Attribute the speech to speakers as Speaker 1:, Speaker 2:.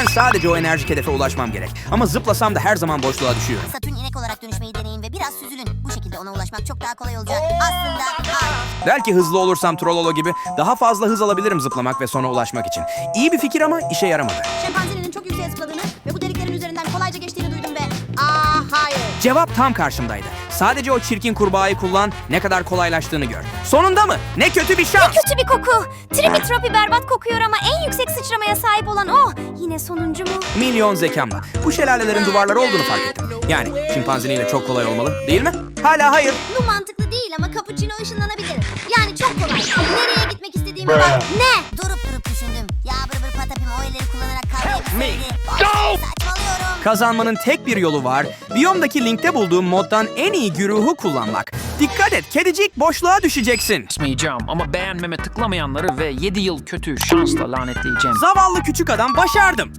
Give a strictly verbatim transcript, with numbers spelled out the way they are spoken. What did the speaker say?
Speaker 1: Ben sadece o enerjik hedefe ulaşmam gerek. Ama zıplasam da her zaman boşluğa düşüyorum.
Speaker 2: Satürn inek olarak dönüşmeyi deneyin ve biraz süzülün. Bu şekilde ona ulaşmak çok daha kolay olacak. Aslında hayır.
Speaker 1: Belki hızlı olursam Trololo gibi daha fazla hız alabilirim zıplamak ve sona ulaşmak için. İyi bir fikir ama işe yaramadı.
Speaker 2: Şempanzenin çok yükseğe zıpladığını ve bu deliklerin üzerinden kolayca geçtiğini duydum ve... Aa hayır.
Speaker 1: Cevap tam karşımdaydı. Sadece o çirkin kurbağayı kullan, ne kadar kolaylaştığını gör. Sonunda mı? Ne kötü bir şans.
Speaker 3: Kötü bir koku. Tripi Tropi berbat kokuyor ama en yüksek sıçramaya sahip olan o. Yine sonuncu mu?
Speaker 1: Milyon zekamla. Bu şelalelerin duvarları olduğunu fark ettim. Yani şimpanziniyle çok kolay olmalı, değil mi? Hala hayır.
Speaker 2: Bu mantıklı değil ama cappuccino ışınlanabilir. Yani çok kolay. Nereye gitmek istediğime bak.
Speaker 3: Ne?
Speaker 2: Durup durup düşündüm. Ya bır bır patapim o elleri kullanarak kavrayabilseydi. Saçmalıyorum.
Speaker 1: Kazanmanın tek bir yolu var. Biyom'daki linkte bulduğum moddan en iyi güruhu kullanmak. Dikkat et, kedicik, boşluğa düşeceksin.
Speaker 4: Basmayacağım ama beğenmeme tıklamayanları ve yedi yıl kötü şansla lanetleyeceğim.
Speaker 1: Zavallı küçük adam, başardım.